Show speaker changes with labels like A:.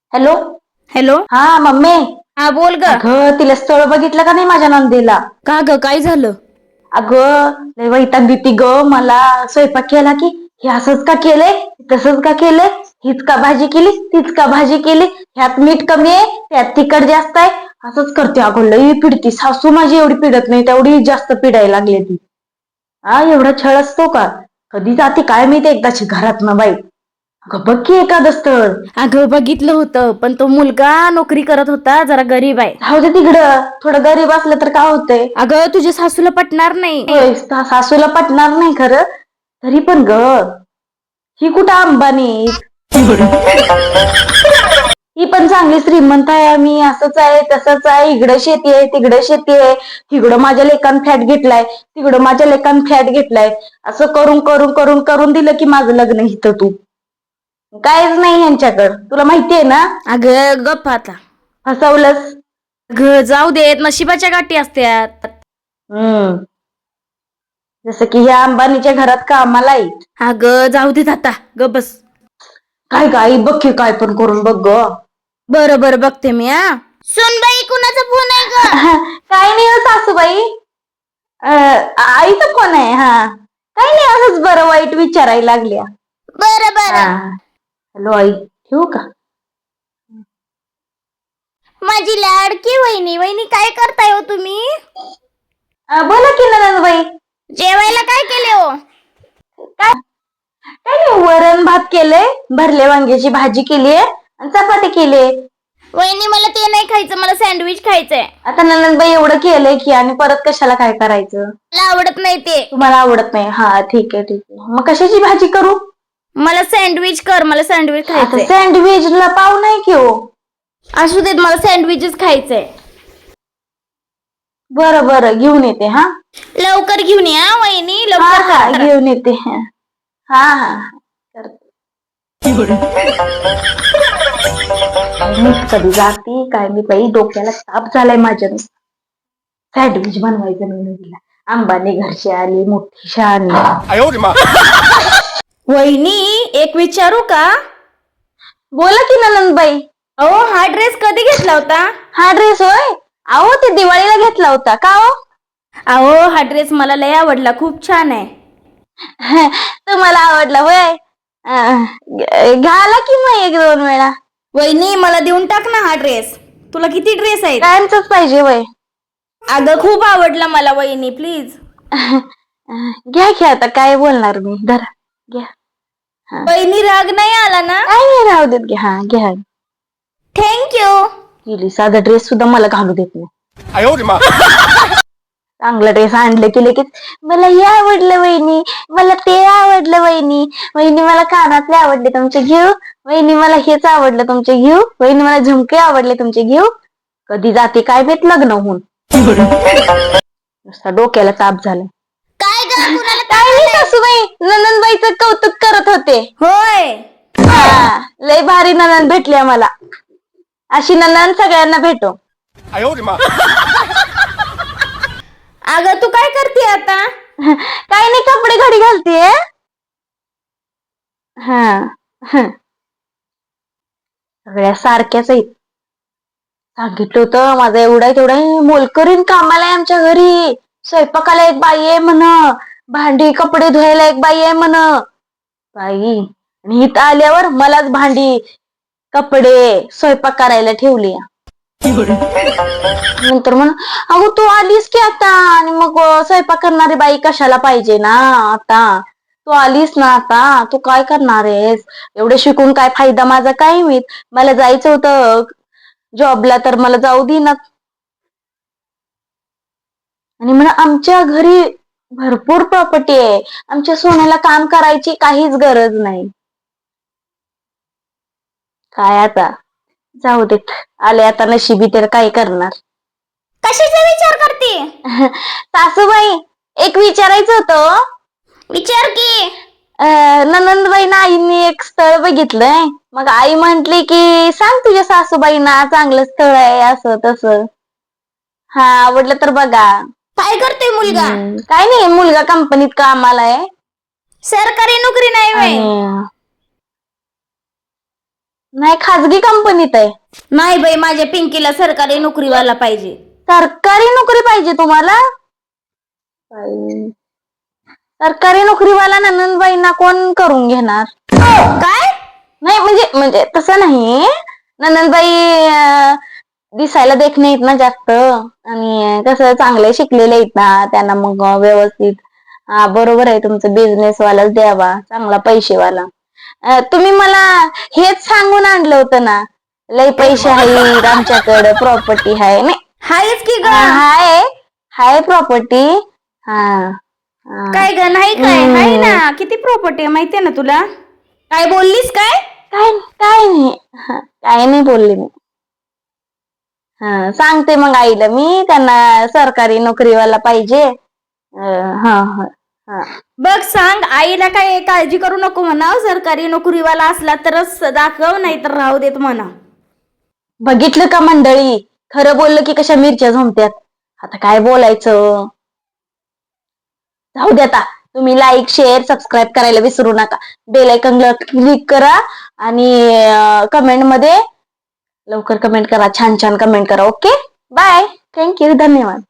A: Hello.
B: Hello.
A: हा mummy.
B: हा बोल ग.
A: अगं तिला स्थळ बघितलं का नाही माझ्या नंदेला?
B: का ग काय झालं?
A: अगं लय वैताग देती ग मला. स्वयंपाक केला की हे असंच का केलंय, तसंच का केलंय, हीच का भाजी केली, तीच का भाजी केली, ह्यात मीठ कमी आहे, त्यात तिखट जास्त आहे, असंच करते. अगं लई पिडती. सासू माझी एवढी पिडत नाही, तेवढी जास्त पिडायला लागली ती. हा एवढा छळ असतो का? कधी जाते काय माहिती एकदाची घरातनं बाई. अगं बघ की एखादं स्थळ.
B: अगं बघितलं होतं, पण तो मुलगा नोकरी करत होता, जरा गरीब आहे.
A: राहू दे तिकडं, थोडं गरीब असलं तर काय होतंय.
B: अगं तुझ्या सासूला पटणार नाही.
A: होय सासूला पटणार नाही खरं, तरी पण ग ही कुठं अंबानी. ही पण चांगली श्रीमंत आहे. आम्ही असंच आहे तसंच आहे, इकडं शेती आहे तिकडं शेती आहे, तिकडं माझ्या लेकान फ्लॅट घेतलाय, तिकडं माझ्या लेकान फ्लॅट घेतलाय, असं करून करून करून करून दिलं की माझं लग्न इथं तू. कायच नाही ह्यांच्याकडं, तुला माहितीये ना.
B: अगं गप्प आता.
A: फसवलंस.
B: अगं जाऊ देत, नशिबाच्या गाठी असत्यात.
A: जसं की ह्या अंबानीच्या घरात कामाला आहे.
B: अगं जाऊ देत आता, गप्प बस.
A: काय गाई बघ की काय पण करून बघ ग.
B: बरं बरं बघते मी. सुनबाई कुणाचा फोन आहे ग?
A: काय नाही हो सासूबाई, आईचा फोन आहे. हा काही नाही, असंच बरं वाईट विचारायला लागल्या.
B: बरं बरं.
A: हॅलो आई, ठेवू का?
B: माझी लाडकी वहिनी. वहिनी काय करताय हो तुम्ही?
A: बोला की नंदबाई.
B: जेवायला काय केले हो?
A: काय काय नाही, वरण भात केलंय, भरले वांग्याची भाजी केलीये आणि चपाती केलीये.
B: वहिनी मला ते नाही खायचं, मला सँडविच खायचंय.
A: आता नंदबाई एवढं केलंय की आणि परत कशाला काय करायचं?
B: मला आवडत नाही ते.
A: तुम्हाला आवडत नाही? हा ठीक आहे ठीक आहे, मग कशाची भाजी करू?
B: मला सँडविच कर, मला सँडविच
A: आता
B: खायचंय.
A: सँडविचला पाव नाही की हो.
B: असू देत, मला सँडविचच खायचंय.
A: बरं बरं घेऊन येते. हा
B: लवकर घेऊन या वहिनी,
A: हा
B: लवकर
A: हा
B: करा.
A: घेऊन येते. हा हा करते. कधी जाती काय मी बाई, डोक्याला ताप झालाय माझ्या. सँडविच बनवायचं नाही तिला. अंबानी घरची आली मोठी शहाणी.
B: वहिनी एक विचारू का?
A: बोला की ननंदबाई.
B: अहो हा ड्रेस कधी घेतला होता?
A: हा ड्रेस होय, अहो ते दिवाळीला घेतला होता. का हो?
B: अहो हा ड्रेस मला लय आवडला, खूप छान आहे.
A: तुम्हाला आवडला होय? घाला की मग एक दोन वेळा.
B: वहिनी मला देऊन टाक ना हा ड्रेस. तुला किती ड्रेस आहेत?
A: कायमचंच पाहिजे वय.
B: अगं खूप आवडला मला वहिनी, प्लीज.
A: घ्या की, आता काय बोलणार मी. धरा घ्या.
B: वहिनी राग नाही आला ना?
A: काय नाही, राहू देत. घ्या हा घ्या.
B: थँक्यू.
A: गेली, साधा ड्रेस सुद्धा मला घालू देत नाही. चांगला ड्रेस आणलं की लगेच मला हे आवडलं वहिनी, मला ते आवडलं वहिनी, वहिनी मला कानातले आवडले तुमचे घेऊ, वहिनी मला हेच आवडलं तुमचे घेऊ, वहिनी मला झुमके आवडले तुमचे घेऊ. कधी जाते काय माहित लग्न होऊन. नुसता डोक्याला ताप झाला.
B: काय ग, कुणाला ताप
A: काय नाही
B: आलाय?
A: सासूबाई, ननंदबाईचं कौतुक करत होते.
B: होय.
A: लय भारी ननंद भेटली आम्हाला. अशी ननंद सगळ्यांना भेटो.
B: अगं तू काय करते आता?
A: काय नाही, कपडे घडी घालतीये. सगळ्या सारख्याच आहेत. सांगितलं होतं माझा एवढा तेवढा मोलकरीण कामाला आहे आमच्या घरी. स्वयंपाकाला एक बाई आहे म्हण, भांडी कपडे धुवायला एक बाई आहे म्हण. बाई, आणि इथं आल्यावर मलाच भांडी कपडे स्वयंपाक करायला ठेवली. नंतर म्हण, अगं तू आलीस की आता, आणि मग स्वयंपाक करणारी बाई कशाला पाहिजे ना आता. तू आलीस ना आता, तू काय करणार आहेस? एवढे शिकून काय फायदा माझा काय माहित. मला जायचं होतं जॉबला तर मला जाऊ देईनात. आणि म्हणा आमच्या घरी भरपूर प्रॉपर्टी आहे, आमच्या सोन्याला काम करायची काहीच गरज नाही. काय आता जाऊ देत, आले आता नशिबी तर काय करणार.
B: कशाचा विचार करते?
A: सासूबाई एक विचारायचं होतं.
B: विचार की.
A: ननंदबाईंना आईने एक स्थळ बघितलंय, मग आई म्हंटली की सांग तुझ्या सासूबाईंना चांगलं स्थळ आहे असं तसं. हा आवडलं तर बघा.
B: काय करते मुलगा?
A: काय नाही, मुलगा कंपनीत कामाला आहे.
B: सरकारी नोकरी नाही व्हय?
A: नाही, खाजगी कंपनीत आहे.
B: नाही बाई, माझ्या पिंकीला सरकारी नोकरीवाला पाहिजे.
A: सरकारी नोकरी पाहिजे तुम्हाला? बाई, सरकारी नोकरीवाला नंदनबाईंना कोण करून घेणार?
B: काय?
A: नाही म्हणजे तसं नाही. नंदनबाई दिसायला देखणे आहेत ना जास्त, आणि कसं चांगले शिकलेले आहेत ना, त्यांना मग व्यवस्थित. बरोबर आहे तुमचं, बिझनेस वालाच द्यावा, चांगला पैसेवाला. तुम्ही मला हेच सांगून आणलं होतं ना, लय पैसे आहेत आमच्याकडे, प्रॉपर्टी आहे. नाही
B: हायच की ग.
A: हाय प्रॉपर्टी. हा
B: काय ग? नाही काय? हाय ना, किती प्रॉपर्टी आहे माहितीये ना तुला? काय बोललीस? काय
A: काय काय नाही, काय नाही बोलले मी. सांगते मग आईला मी, त्यांना सरकारी नोकरीवाला पाहिजे.
B: बघ, सांग आईला. काय काळजी करू नको म्हणा, सरकारी नोकरीवाला असला तरच दाखव, नाही तर राहू देत म्हणा.
A: बघितलं का मंडळी, खरं बोललं की कशा मिरच्या झोंबत्यात. आता काय बोलायचं, जाऊ दे. आता तुम्ही लाईक, शेअर, सबस्क्राईब करायला विसरू नका. बेल आयकॉनला क्लिक करा आणि कमेंट मध्ये लवकर कमेंट करा, छान छान कमेंट करा. ओके, बाय, थँक्यू, धन्यवाद.